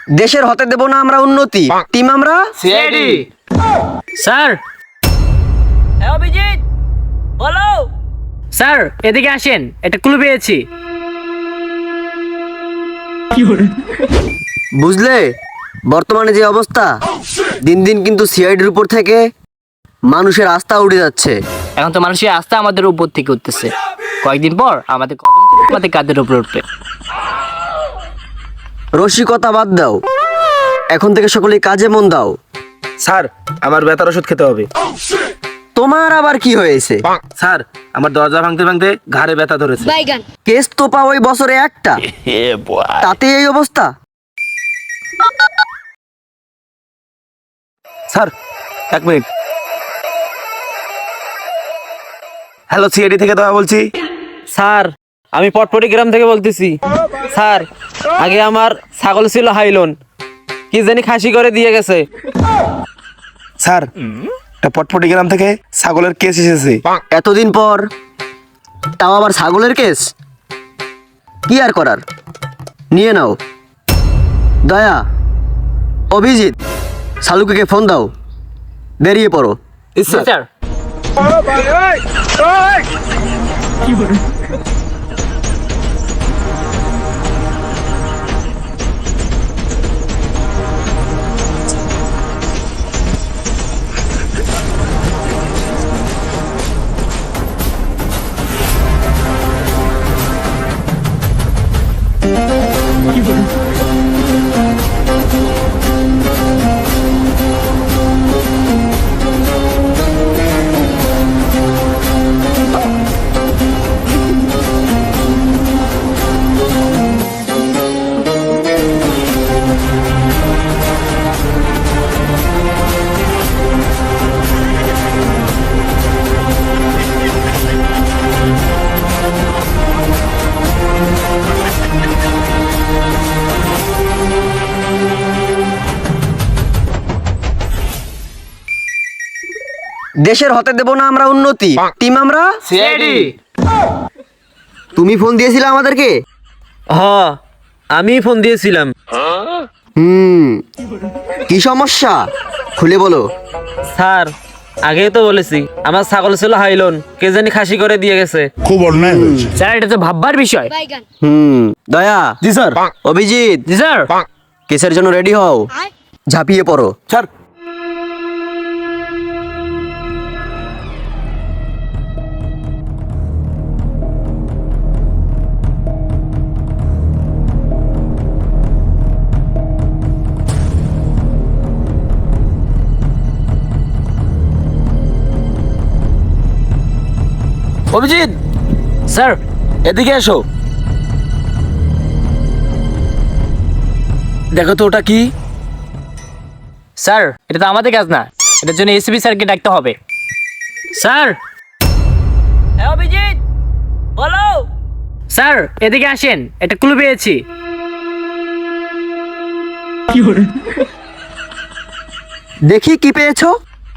দেশের হতে দেব না আমরা উন্নতি। টিম আমরা সিআইডি। স্যার অভিজিৎ বলো। স্যার এদিকে আসেন, একটা ক্লু পেয়েছি। বুঝলে বর্তমানে যে অবস্থা, দিন দিন কিন্তু সিআইডির উপর থেকে মানুষের আস্থা উঠে যাচ্ছে। এখন তো মানুষের আস্থা আমাদের উপর থেকে উঠতেছে, কয়েকদিন পর আমাদের কদম আমাদের কাঁধের উপর উঠবে। রসিকতা বাদ দাও, এখন থেকে সকলেই কাজে মন দাও। স্যার আমার ব্যথার ওষুধ খেতে হবে। তোমার আবার কি হয়েছে? স্যার আমার দরজা ভাঙতে ভাঙতে ঘাড়ে ব্যথা ধরেছে। কেস তো পাও ওই বছরে একটা, তাতে এই অবস্থা। Sir 1 minute. হ্যালো, সিআইডি থেকে দেওয়া বলছি। স্যার আমি পটপটি গ্রাম থেকে বলতেছি। স্যার আগে আমার ছাগল ছিল হাইলন, কি জানি খাসি করে দিয়ে গেছে। স্যার এটা পটপটি গ্রাম থেকে ছাগলের কেস এসেছে। এতদিন পর তাও আবার ছাগলের কেস, কি আর করার, নিয়ে নাও। দয়া, অভিজিৎ, শালুকে ফোন দাও, বেরিয়ে পড়ো। স্যার দেশের হতে দেব না আমরা উন্নতি। টিম আমরা সিআইডি। তুমি ফোন দিয়েছিলে আমাদেরকে? হ আমি ফোন দিয়েছিলাম। কি সমস্যা খুলে বলো। স্যার আগেই তো বলেছি আমার ছাগল ছিল হাইলন, কে জানি খাসি করে দিয়ে গেছে। খুব অন্যায় হয়েছে। স্যার এটা তো ভাববার বিষয়। দয়া, জি স্যার। অভিজিৎ, জি স্যার। কেসের জন্য রেডি হও, ঝাঁপিয়ে পড়ো। স্যার অভিজিৎ স্যার এদিকে এসো। দেখো তো ওটা কি। স্যার এটা তো আমাদের কাজ না, এটার জন্য এসপি স্যারকে ডাকতে হবে। স্যার অভিজিৎ বলো। স্যার এদিকে আসেন, একটা ক্লু পেয়েছি। দেখি কি পেয়েছো।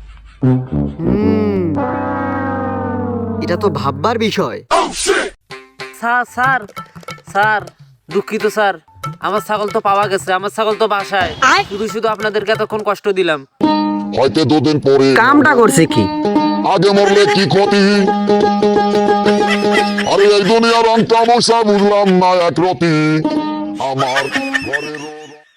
এটা তো ভাববার বিষয়। স্যার স্যার স্যার দুঃখিত স্যার, আমার ছাগল তো পাওয়া গেছে, আমার ছাগল তো বাসায়। শুধু শুধু আপনাদেরকে এতক্ষণ কষ্ট দিলাম। হয়তো 2 দিন পরে কামটা করছে কি? আগে মরলে কি ক্ষতি? আরে এই দুনিয়ার রং তামাশা বুঝলাম না একরতি। আমার ঘরের